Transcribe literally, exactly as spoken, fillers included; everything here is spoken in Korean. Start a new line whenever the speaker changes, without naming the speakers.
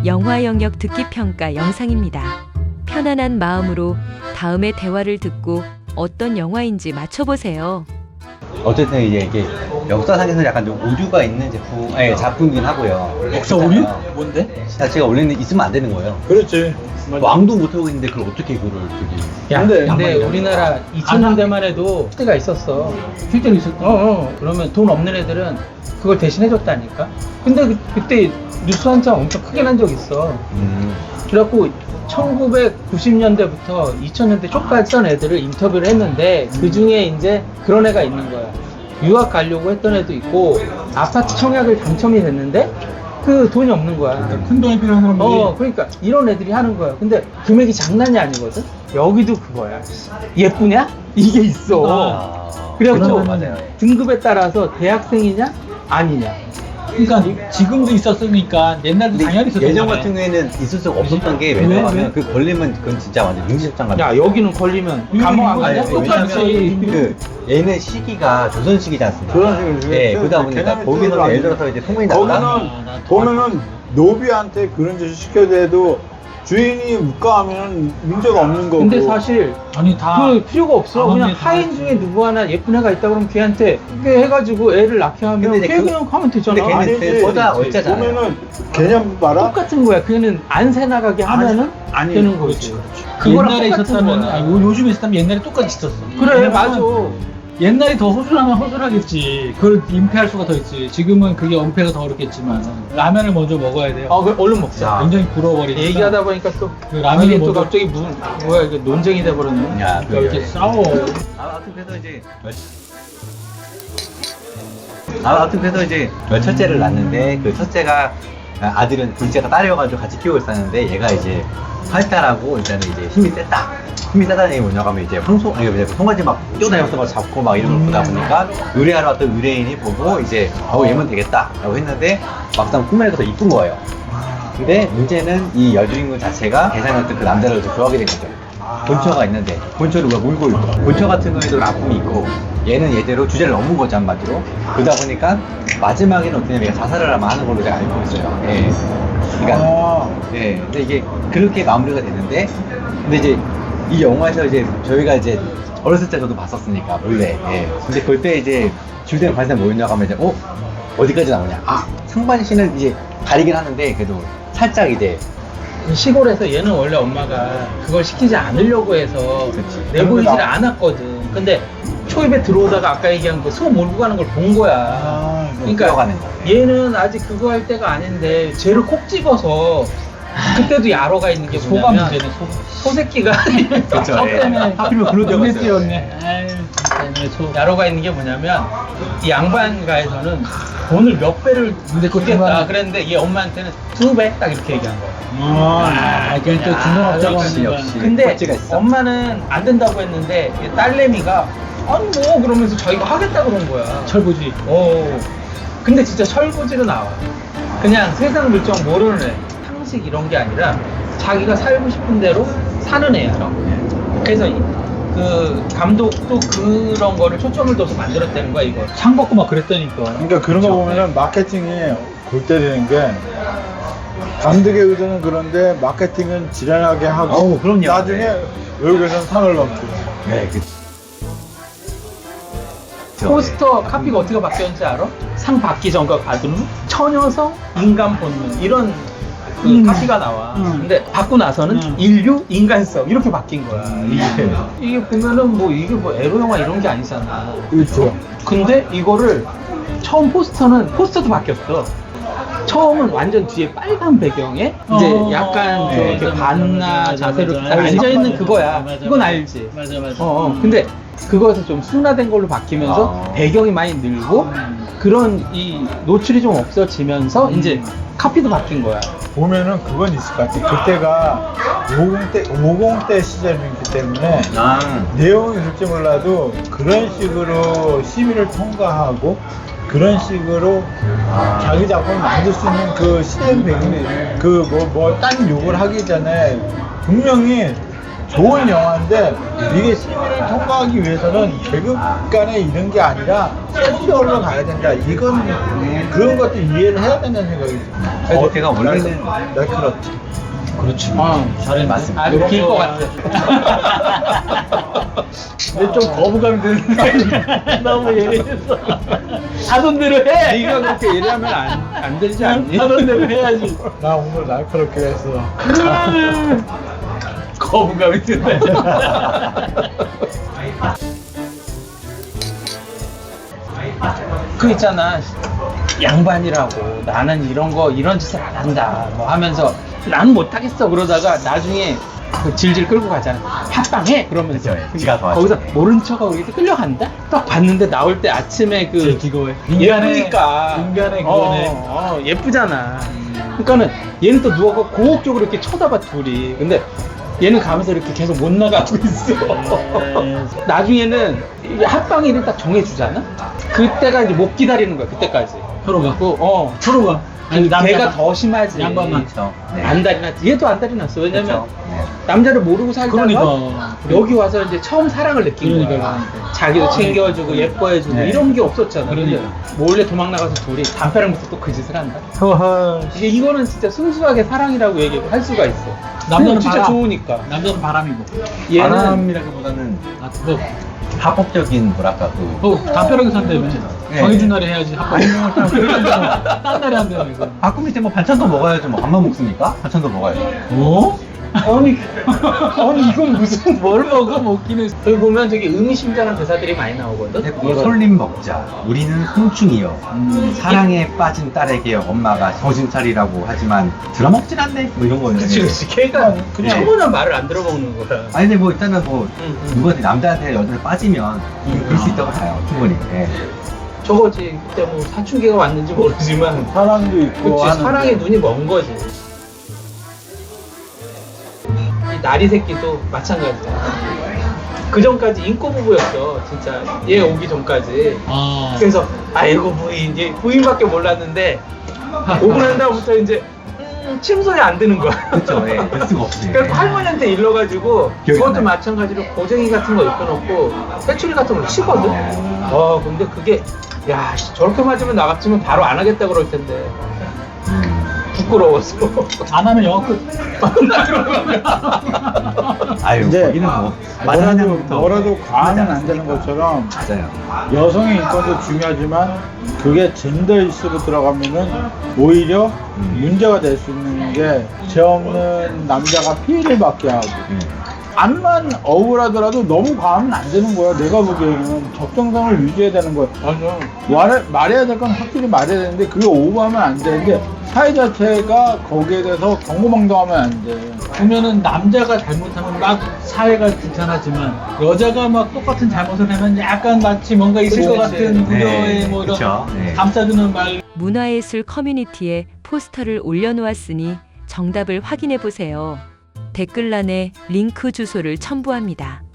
영화 영역 듣기 평가 영상입니다. 편안한 마음으로 다음의 대화를 듣고 어떤 영화인지 맞춰보세요.
어쨌든 이제 이게 역사상에서 약간 좀 오류가 있는 제품, 아니 작품이긴 하고요.
역사 오류?
그렇잖아요.
뭔데?
자체가 원래는 있으면 안 되는 거예요.
그렇지.
왕도 못하고 있는데 그걸 어떻게 그걸 저기.
야,
근데
근데,
양반이라고.
우리나라 이천 년대만 해도 때가 있었어.
실제로 있었다.
어, 어. 그러면 돈 없는 애들은 그걸 대신해줬다니까. 근데 그, 그때 뉴스 한 장 엄청 크게 난 적 있어.
음.
그래갖고 천구백구십 년대부터 이천 년대 초까지 던 애들을 인터뷰를 했는데 그 중에 이제 그런 애가 있는 거야. 유학 가려고 했던 애도 있고 아파트 청약을 당첨이 됐는데 그 돈이 없는 거야.
큰 돈이 필요한 사람들이.
어, 그러니까 이런 애들이 하는 거야. 근데 금액이 장난이 아니거든. 여기도 그거야. 예쁘냐? 이게 있어.
아,
그래갖고
그렇죠, 맞아요.
등급에 따라서 대학생이냐 아니냐.
그러니까 지금도 있었으니까 옛날도
근데
당연히 있었던
예전
거네.
같은 경우에는 있을 수가 없었던 게
왜?
왜냐하면
왜?
그 걸리면 그건 진짜 완전 민지적장 같은.
야, 여기는 걸리면 감옥 안 가냐?
아니,
똑같이.
그 얘는 시기가 조선시기지 않습니까?
조선시기죠.
예, 그러다 보니까
개념이
거기서
틀어도
예를 들어서 이제 소문이 났다.
거기는
아, 나
보면은 노비한테 그런 짓을 시켜도 주인이 묵과하면 문제가 없는 거고.
근데 사실
아니 다
그 필요가 없어.
아,
그냥
근데
하인
다-
중에 누구 하나 예쁜 애가 있다 그러면 걔한테 그게 해가지고 애를 낳게 하면
근데 이제
걔
그-
그냥 가면 되잖아.
근데 걔는
아니지.
보다 어쩌잖아요.
보면은 개념 봐라.
똑같은 거야. 걔는 안 새 나가게 하면은
아니,
되는 거지.
그
그거랑
옛날에
똑같은
있었다면
거야.
아니, 요- 요즘에 있었다면 옛날에 똑같이 있었어.
그래,
왜냐면
맞아.
옛날이 더 허술하면 허술하겠지. 그걸 은폐할 수가 더 있지. 지금은 그게 은폐가 더 어렵겠지만 라면을 먼저 먹어야 돼요.
아, 그 얼른 먹자.
굉장히 불어버리니까.
얘기하다 보니까 또
그 라면을
이게 또
먼저-
갑자기 무슨 뭐야 이게 논쟁이 돼 버렸네.
야,
그러니까 이렇게 싸워.
아, 아무튼 그래서 이제 아, 아무튼 그래서 이제 첫째를 낳는데 그 첫째가 아들은 둘째가 딸이어가지고 같이 키우고 있었는데 얘가 이제 활달하고 일단은 이제 힘이 셌다. 힘이 세다는 얘기 뭐냐고 하면 이제 황소 아니 이제 송아지 막 뛰어다니면서 막 잡고 막 이런 걸 보다 보니까 의뢰하러 왔던 의뢰인이 보고 이제 어 얘면 되겠다라고 했는데 막상 꿈에서 더 이쁜 거예요. 근데 문제는 이 여주인공 자체가 대상이었던 그 남자를 더 좋아하게 된 거죠. 본처가 있는데 본처를 왜 몰고 있고 본처 같은 경우에도 아픔이 있고 얘는 얘대로 주제를 넘은 거죠 한마디로. 그러다 보니까 마지막에는 어떻게 얘가 자살을 아마 하는 걸로 제가 알고 있어요. 예. 그러니까
아,
예. 근데 이게 그렇게 마무리가 됐는데 근데 이제 이 영화에서 이제 저희가 이제 어렸을 때 저도 봤었으니까 몰래. 예. 근데 그때 이제 줄대는 관상 뭐였냐고 하면 이제 어 어디까지 나오냐. 아 상반신은 이제 가리긴 하는데 그래도 살짝 이제
시골에서 얘는 원래 엄마가 그걸 시키지 않으려고 해서
그치.
내보이지를 않았거든. 근데 초입에 들어오다가 아까 얘기한 그 소 몰고 가는 걸 본 거야.
아,
그러니까
들어가는 거.
얘는 아직 그거 할 때가 아닌데 쟤를 콕 집어서 그때도 야로가 있는 게
소가
뭐냐면
문제네. 소.
소새끼가
그쵸,
저
예.
때문에
하필이면 글로
눈에
들어갔어요.
띄었네. 아유, 진짜 소.
야로가 있는 게 뭐냐면 이 양반가에서는 돈을 몇 배를
근데 그것도
주겠다
그만-
그랬는데 얘 엄마한테는 두 배 딱 이렇게 얘기한 거야.
아, 그게 또 중간업자가
역시,
없는
역시.
거야.
근데
꼴찌가 있어.
엄마는 안 된다고 했는데 이 딸내미가 아니 뭐 그러면서 자기가 하겠다 그런 거야.
철부지.
어. 근데 진짜 철부지로 나와. 그냥 세상 물정 모르는 애. 상식 이런 게 아니라 자기가 살고 싶은 대로 사는 애야. 그래서 이- 그 감독도 그런 거를 초점을 둬서 만들었다는 거야 이거.
창 받고 막 그랬다니까.
그러니까 그런 거 보면은 마케팅이 골 때리는 게 감독의 의도는 그런데 마케팅은 지랄하게 하고
어우, 그럼요.
나중에
네.
외국에서는 상을 넘고.
네, 그.
포스터 카피가 어떻게 바뀌었는지 알아? 상 받기 전과 받은 후 처녀성, 인간 본능 이런 그
음.
카피가 나와.
음.
근데 받고 나서는
음.
인류, 인간성 이렇게 바뀐 거야. 이게
음.
이게 보면은 뭐 이게 뭐 에로 영화 이런 게 아니잖아.
그렇죠.
근데 이거를 처음 포스터는 포스터도 바뀌었어. 처음은 완전 뒤에 빨간 배경에 이제
어,
약간
네,
이렇게
맞아,
반나
맞아,
자세로
맞아,
딱
맞아.
앉아 있는
맞아,
그거야.
맞아,
이건
맞아.
알지.
맞아, 맞아.
어, 어. 근데 그거에서 좀 순화된 걸로 바뀌면서
아.
배경이 많이 늘고
음.
그런 이 노출이 좀 없어지면서 이제 카피도 바뀐 거야.
보면은 그건 있을 것 같아. 그때가 오십 대, 오십 대 시절이기 때문에
아,
내용이 그럴지 몰라도 그런 식으로 시비를 통과하고 그런 식으로
아.
자기 작품을 만들 수 있는 그 시대 배경이 그 뭐 뭐 딴 욕을 하기 전에 분명히 좋은 영화인데 이게 시민을 통과하기 위해서는 계급 간에 이런 게 아니라 센터로 가야 된다. 이건 그런 것도 이해를 해야 된다는 생각이 듭니다.
그래서 제가 원래는
날카롭지.
그렇지. 아, 잘해.
맞습니다.
아주 길 것 같아.
근데 좀 거부감이 드는 거 아니야? 너무 예리해서. 하던 대로 해!
네가 그렇게 예리하면 안, 안 되지 않니?
하던 대로 해야지.
나 오늘 날카롭게 했어.
거부감이 드네.
그 있잖아, 양반이라고 나는 이런 거 이런 짓을 안 한다 뭐 하면서 난 못하겠어 그러다가 나중에 그 질질 끌고 가잖아. 합방해 그러면서
그쵸, 지가 더 하죠.
거기서 모른 척하고 이렇게 끌려간다. 딱 봤는데 나올 때 아침에 그
이거에.
예쁘니까
인간의
어,
그거네.
어, 예쁘잖아. 그러니까는 얘는 또 누워서 고혹적으로 이렇게 쳐다봐 둘이. 근데 얘는 가면서 이렇게 계속 못 나가고 있어. 나중에는 이 합방이 일을 딱 정해주잖아. 그때가 이제 못 기다리는 거야. 그때까지.
서로가.
그, 어.
서로가. 아니, 남자가-
걔가 더 심하지.
양반만.
그렇죠. 네.
안달이 났지. 얘도 안달이 났어. 왜냐면
그렇죠. 네.
남자를 모르고 살다가
그러니까.
여기 와서 이제 처음 사랑을 느낀
그러니까,
거야.
그러니까.
자기도 챙겨주고 예뻐해주고
네.
이런 게 없었잖아.
그러니까.
근데 몰래 도망 나가서 둘이 담배랑 붙어 또 그 짓을 한다.
허허.
이게 이거는 진짜 순수하게 사랑이라고 얘기할 수가 있어.
남자는
진짜
바람.
좋으니까.
남자는 바람이고.
얘는
바람이라기보다는
아, 뭐,
합법적인 뭐랄까 그
뭐 담벼락에 산다며.
네.
정해준 날에 해야지. 딴 날에 한다며. 이거.
가끔 이제 뭐 반찬도 먹어야죠. 뭐 밥만 먹습니까? 반찬도 먹어야죠.
어?
아니, 아니 이건 무슨
뭘 먹어 먹기는.
여기 보면 되게 의미심장한 대사들이 많이 나오거든.
근데 그거 솔림 먹자. 우리는 송충이요.
음.
사랑에 빠진 딸에게 엄마가 정신 차리라고 하지만 들어먹진 않네. 뭐 이런 거예요.
그치 그치. 걔가
그냥-
처음에는 말을 안 들어먹는 거야.
아니 근데 뭐 일단은 뭐
응, 응.
누구한테 남자한테 여자한테 빠지면 그럴 수 있다고 봐요. 충분히. 예.
저거지. 그때 뭐 사춘기가 왔는지 모르지만
사랑도 있고
그치,
하는데.
사랑에 눈이 먼 거지. 이 나리 새끼도 마찬가지야. 그 전까지 인꼬 부부였어, 진짜. 얘 오기 전까지.
아.
그래서 아이고 부인, 얘 부인밖에 몰랐는데 오고 난 다음부터 이제 음, 침소리 안 드는 거야.
그쵸. 예. 될 수가 없지.
그래서 할머니한테 일러가지고
기억이
그것도
나요.
마찬가지로 고쟁이 같은 거 입혀놓고 회초리 같은 거 치거든. 어 근데 그게 야 씨, 저렇게 맞으면 나 같으면 바로 안 하겠다 그럴 텐데
음.
부끄러워서
안 하면 영화 끝.
아유
근데
거기는 뭐
뭐라도
마다하면부터
뭐라도 과하면 안
않았으니까.
되는 것처럼
맞아요.
여성의 인권도 중요하지만 그게 젠더 이슈로 들어가면은 오히려
음.
문제가 될 수 있는 게 죄 없는 남자가 피해를 받게 하고
음.
암만 억울하더라도 너무 과하면 안 되는 거야. 내가 보기에는 적정성을 유지해야 되는 거야.
맞아.
말, 말해야 될 건 확실히 말해야 되는데 그게 오버하면 안 되는데 사회 자체가 거기에 대해서 경고망동하면 안 돼.
보면은 남자가 잘못하면 막 사회가 귀찮아지만 여자가 막 똑같은 잘못을 하면 약간 마치 뭔가 있을
그치,
것
그치.
같은 우려의
네,
뭐 이런
그쵸. 네.
감싸주는 말.
문화예술 커뮤니티에 포스터를 올려놓았으니 정답을 확인해 보세요. 댓글란에 링크 주소를 첨부합니다.